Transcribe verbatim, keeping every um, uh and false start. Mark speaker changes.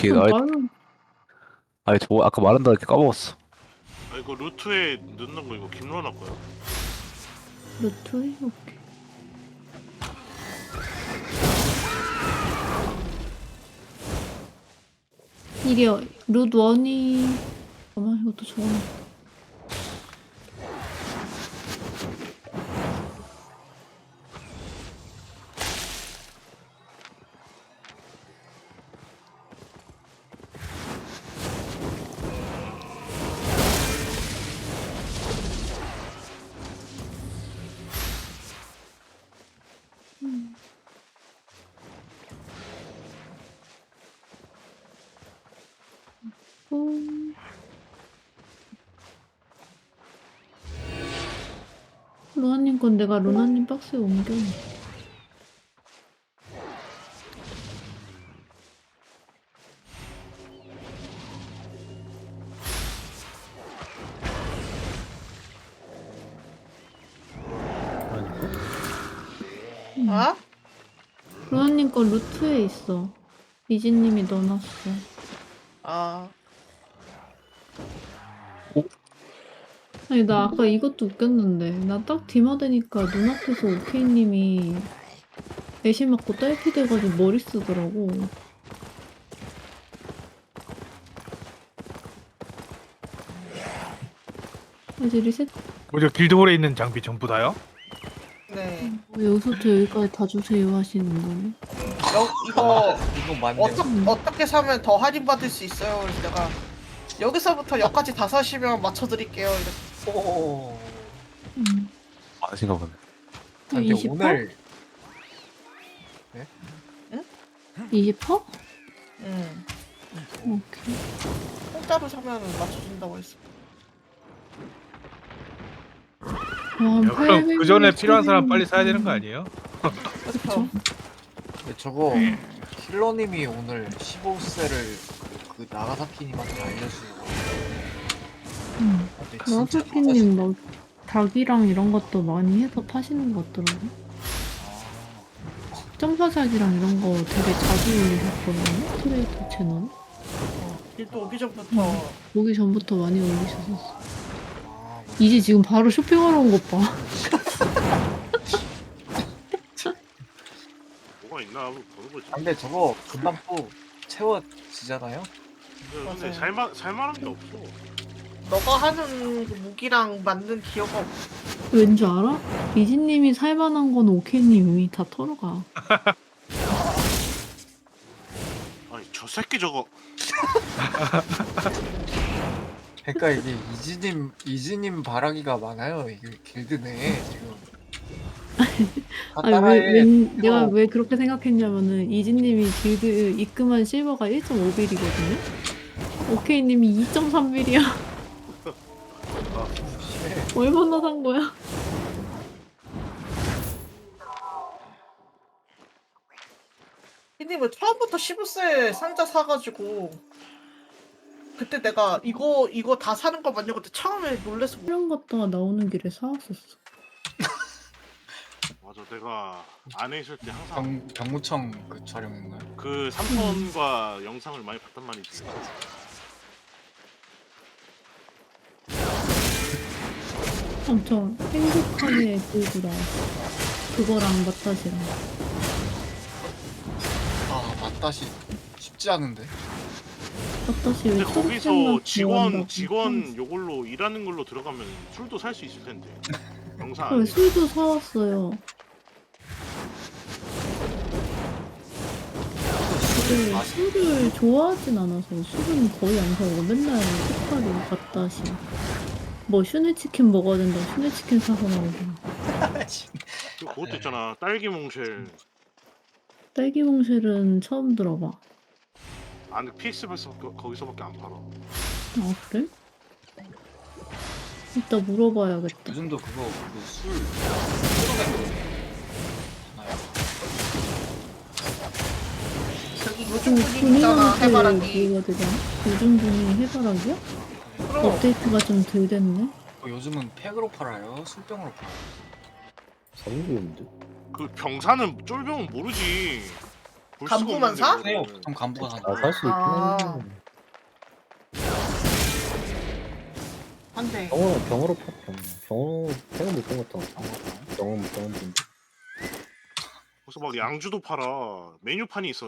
Speaker 1: 이렇게
Speaker 2: 그럼
Speaker 1: 아예
Speaker 2: 말은
Speaker 1: 아예 저 아까 말한다 이렇게 까먹었어.
Speaker 3: 아 이거 루트에 넣는 거 이거 김로나 거야.
Speaker 2: 루트에? 오케이. 이게 루트 원이 잠깐만 이것도 적어. 음. 루나님 건 내가 루나님 박스에 옮겨.
Speaker 4: 어?
Speaker 2: 루나님 건 루트에 있어. 이지님이 넣어놨어.
Speaker 4: 아,
Speaker 2: 아니 나 아까 이것도 웃겼는데 나 딱 디마되니까 눈앞에서 오케이님이 애쉬 맞고 딸피 돼가지고 머리 쓰더라고. 이제 리셋.
Speaker 5: 뭐죠? 길드홀에 있는 장비 전부 다요?
Speaker 4: 네.
Speaker 2: 어, 여기서부터 여기까지 다 주세요 하시는 거네.
Speaker 4: 여, 이거
Speaker 6: 이거 맞네.
Speaker 4: 어떠, 어떻게 사면 더 할인 받을 수 있어요? 그래서 내가 여기서부터 여기까지 다 사시면 맞춰드릴게요. 이렇게.
Speaker 6: 오.
Speaker 2: 음.
Speaker 1: 많으신가 보네.
Speaker 6: 근데
Speaker 2: 이십 퍼?
Speaker 6: 오늘
Speaker 2: 이십 퍼?
Speaker 4: 음.
Speaker 2: 오케이.
Speaker 4: 공짜로 사면 맞춰준다고 했어.
Speaker 2: 와,
Speaker 5: 야, 그럼 그 전에 필요한 사람 빨리 사야 되는 거 아니에요?
Speaker 4: 그렇죠.
Speaker 6: 근데 저거 힐러님이 오늘 십오 세를 그 나가사키님한테 알려주고.
Speaker 2: 응.
Speaker 6: 근데 진짜
Speaker 2: 나사키님 막 닭이랑 이런 것도 많이 해서 파시는 것 같더라고.
Speaker 6: 아,
Speaker 2: 점사작이랑 이런 거 되게 자주 올리셨거든요. 트레이터 채널.
Speaker 4: 어, 일도 오기 전부터
Speaker 2: 오기 전부터 많이 올리셨었어.
Speaker 6: 아,
Speaker 2: 이제 지금 바로 쇼핑하러 온 것 봐.
Speaker 3: 뭐가 있나 한번 보는 거지.
Speaker 6: 근데 저거 금방 또 채워지잖아요?
Speaker 3: 근데
Speaker 4: 맞아요.
Speaker 3: 살만 살만한 게 없어.
Speaker 4: 너가 하는 그 무기랑 맞는 기어가 없어.
Speaker 2: 왠줄 알아? 이지님이 살만한 건 오케이님 이미 다 털어가.
Speaker 3: 아니 저 새끼 저거
Speaker 6: 그러니까 이게 이지님 이지님 바라기가 많아요. 이게 길드 내에 지금. 다
Speaker 2: 아니 왜,
Speaker 6: 따라해.
Speaker 2: 왜 내가
Speaker 6: 이거
Speaker 2: 왜 그렇게 생각했냐면은 이지님이 길드 입금한 실버가 일 점 오 빌이거든요. 오케이님이 이 점 삼 빌이야.
Speaker 6: 심해.
Speaker 2: 얼마나 산 거야?
Speaker 4: 피님은 처음부터 십오 세 상자 사가지고 그때 내가 이거 이거 다 사는 거 맞냐고 그때 처음에 놀래서 뭐-
Speaker 2: 촬영 갔다가 나오는 길에 사왔었어.
Speaker 3: 맞아 내가 안에 있을 때 항상
Speaker 6: 병 병무청 그 촬영인가요?
Speaker 3: 그 삼 턴과 영상을 많이 봤단 말이지.
Speaker 2: 엄청 행복하게 들고 나왔어. 그거랑 마타시랑.
Speaker 6: 아 맞다시 쉽지 않은데.
Speaker 2: 마타시 왜
Speaker 3: 근데
Speaker 2: 초록색만
Speaker 3: 거기서 직원
Speaker 2: 좋아한다고
Speaker 3: 직원 요걸로 일하는 걸로 들어가면 술도 살 수 있을 텐데. 영상
Speaker 2: 왜
Speaker 3: 안에.
Speaker 2: 술도 사왔어요. 근데
Speaker 6: 아,
Speaker 2: 술을 좋아하진 않아서 술은 거의 안 사고 맨날 색깔이 마타시. 뭐 슈네치킨 먹어야 된다. 슈네치킨 사서 나오고.
Speaker 3: 그리고 그것도 있잖아 딸기 몽쉘.
Speaker 2: 딸기 몽쉘은 처음 들어봐.
Speaker 3: 안에 피엑스에서 거기서밖에 안 팔아.
Speaker 2: 아 그래? 이따 물어봐야겠다.
Speaker 6: 요즘도 그거 그술 쏟아내는 하나요?
Speaker 4: 저기
Speaker 2: 그
Speaker 4: 요즘 분위기 있잖아 해바라기.
Speaker 2: 뭐가 되냐? 요즘 분이 해바라기야?
Speaker 4: 그럼
Speaker 2: 업데이트가 좀 덜 됐네.
Speaker 6: 어, 요즘은 팩으로 팔아요? 술병으로 팔아요?
Speaker 7: 사는 게 없는데?
Speaker 3: 그 병사는 쫄병은 모르지. 볼 수가
Speaker 4: 간부만
Speaker 3: 없는데,
Speaker 4: 사?
Speaker 3: 그거는.
Speaker 6: 네요. 보통 간부가 사는
Speaker 7: 아, 살 수 있긴
Speaker 4: 아.
Speaker 7: 해.
Speaker 4: 안돼.
Speaker 7: 병으로, 병으로 파, 병. 병으로, 팩은 못 본 것 같아.
Speaker 6: 거.
Speaker 7: 병은, 병은 좀.
Speaker 3: 그래서 막 양주도 팔아. 메뉴판이 있어.